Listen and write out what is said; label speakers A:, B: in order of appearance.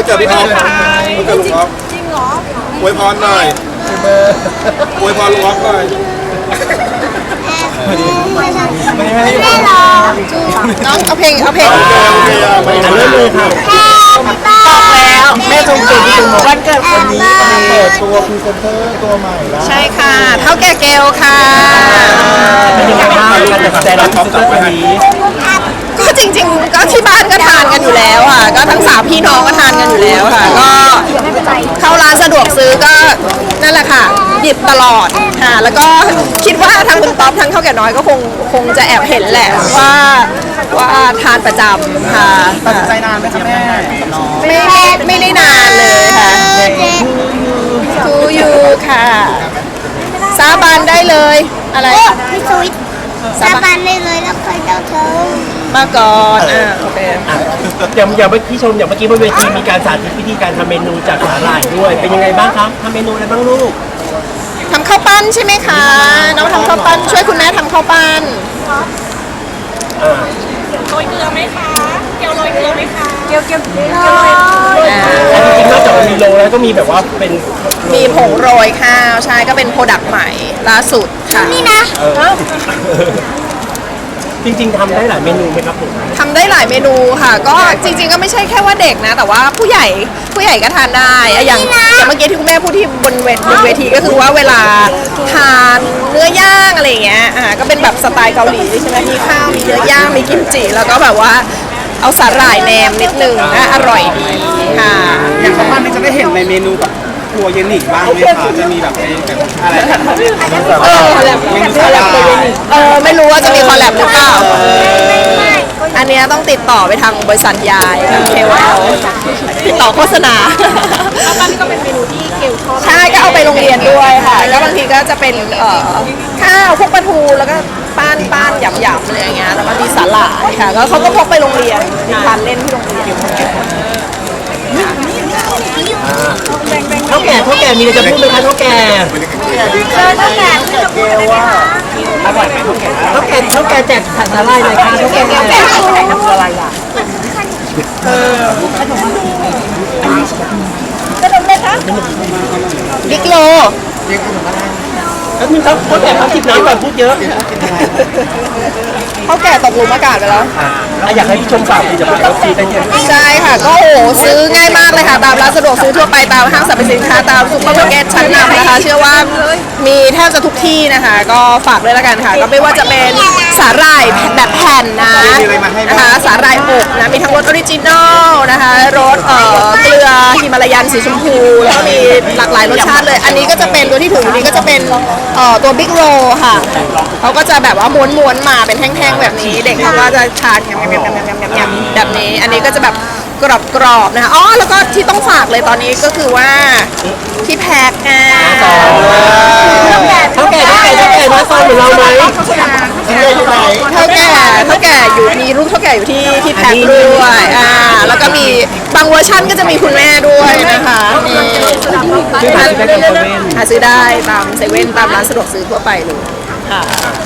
A: กิดพี่ท็อปวันเกิดลุงท็อปจริงเหรออวยพรหน่อยอวยพรลุงท็อปหน่อย
B: ไม่รอน้องเอาเพลง
A: โอเคไม่
C: เริ่มเลยค่ะ
B: บอกแล้วแม่ชมเก่งที่สุดวันเกิด
C: วันนี้เปิดตัวพรีเซนเตอร์ตัวใหม่แล้ว
B: ใช่ค่ะเท่าแก่เกลค่ะ
C: เป็นยังไงบ้างการตัดสินใจรับพรีเซนเตอร์วันนี้
B: ก็จริงๆก็ที่บ้านก็ทานกันอยู่แล้วค่ะก็ทั้ง3พี่น้องก็ทานกันอยู่แล้วค่ะก็เข้าร้านสะดวกซื้อก็นั่นแหละค่ะหยิบตลอดค่ะแล้วก็คิดว่าทางคุณต๊อบทั้งเท่าแก่น้อยก็คงจะแอบเห็นแหละว่าทานประจำค่ะ
C: ตัดสินใจนานไหมคะแม่
B: ไม่ได้นานเลยค่ะทูยูค่ะสาบานได้เลยอะไร
D: พี่สุวิทย์สาบานได้เลยแล้วเคยเจ้าเธอ
B: มาก่อนโอเค
C: อย่างเมื่อกี้ชมอย่างเมื่อกี้บนเวทีมีการสาธิตวิธีการทำเมนูจากสาหร่ายด้วยเป็นยังไงบ้างครับทำเมนูอะไรบ้างลูก
B: ทำข้าวปั้นใช่ไหมคะน้องทำข้าวปั้นช่วยคุณแม่ทำข้าวปั้น
D: โรยเกลือไหมคะเกี๊ยวโรยเกลือไหมคะเกี๊ยว
C: จริงๆนอกจากมีโรแล้วก็มีแบบว่าเป็น
B: มีผงโรยข้าวใช่ก็เป็นโปรดักต์ใหม่ล่าสุดค่ะ
D: นี่นะ
C: จริงๆทำได้หลายเมนูไหมครับผม
B: ทำได้หลายเมนูค่ะก็จริงๆก็ไม่ใช่แค่ว่าเด็กนะแต่ว่าผู้ใหญ่ก็ทานได้อย่างเมื่อกี้ที่คุณแม่พูดที่บนเวทีก็คือว่าเวลาทานเนื้อย่างอะไรเงี้ยก็เป็นแบบสไตล์เกาหลีใช่ไหมมีข้าวมีเนื้อย่างมีกิมจิแล้วก็แบบว่าเอาสาหร่ายแนมนิดนึงอร่อยดีค่ะ
A: อย่างข้าวปั้นนี่จะได้เห็นในเมนูแบบครัวเย็นหนิบ้างไหมคะจะมีแบบอะไร
B: ไม่รู้ว่าจะมีคอลแลบหรือเปล่าอันนี้ต้องติดต่อไปทางบริษัทยายทางเควลติดต่อโฆษณาข้าวปั้นก็เป็นเมนูที่เกลชอบใช่ก็เอาไปโรงเรียนด้วยค่ะแล้วบางทีก็จะเป็นข้าวพวกปลาทูแล้วก็ป้านหยำๆอะไรอย่างเงี้ยแล้วก็มีสาหร่ายค่ะก็เขาก็พกไปโรงเรียนมีทานเล่นที่โรงเรียน
C: เท่าแก่มีอะไรจะพูดไหมคะเท่าแก่อร่อยไหมเท่าแก่แจกสาหร่ายเลยค่ะเท่าแก่อะไรล่ะ
B: บิ๊กโล
C: แล้วมึงเขาแก่เขาจิบน้ำก่อนพูดเยอะ
B: เขาแก่ตกหลุมอากาศไปแล้ว
C: อยากให้พี่ชมฝากผลิตภัณฑ์วัคซีนได้ยัง
B: ใช่ค่ะก็ซื้อง่ายมากเลยค่ะตามร้านสะดวกซื้อทั่วไปตามห้างสรรพสินค้าตามซุปเปอร์มาร์เก็ตชั้นนำนะคะเชื่อว่ามีแทบจะทุกที่นะคะก็ฝากด้วยละกันค่ะก็ไม่ว่าจะเป็นสาหร่ายแบบแผ่นนะคะสาหร่ายอบนะมีทั้งรสออริจินอลนะคะรสเกลือฮิมาลายันสีชมพูแล้วก็มีหลากหลายรสชาติเลยอันนี้ก็จะเป็นตัวที่ถูกนี้ก็จะเป็นตัวบิ๊กโรค่ะเขาก็จะแบบว่าม้วนๆมาเป็นแท่งๆแบบนี้เด็กเขาก็จะทานยำแบบนี้อันนี้ก็จะแบบกรอบๆนะคะอ๋อแล้วก็ที่ต้องฝากเลยตอนนี้ก็คือว่าที่แพ็ค
C: เท่าแก่น้อยซอยเหมือนเราไหม
B: เท่าแก่อยู่มีรูปเท่าแก่อยู่ที่แพ็คด้วยแล้วก็มีบางเวอร์ชันก็จะมีคุณแม่ด้วยนะคะหาซื้อได้ตามเซเว่นตามร้านสะดวกซื้อทั่วไปเลยค่ะ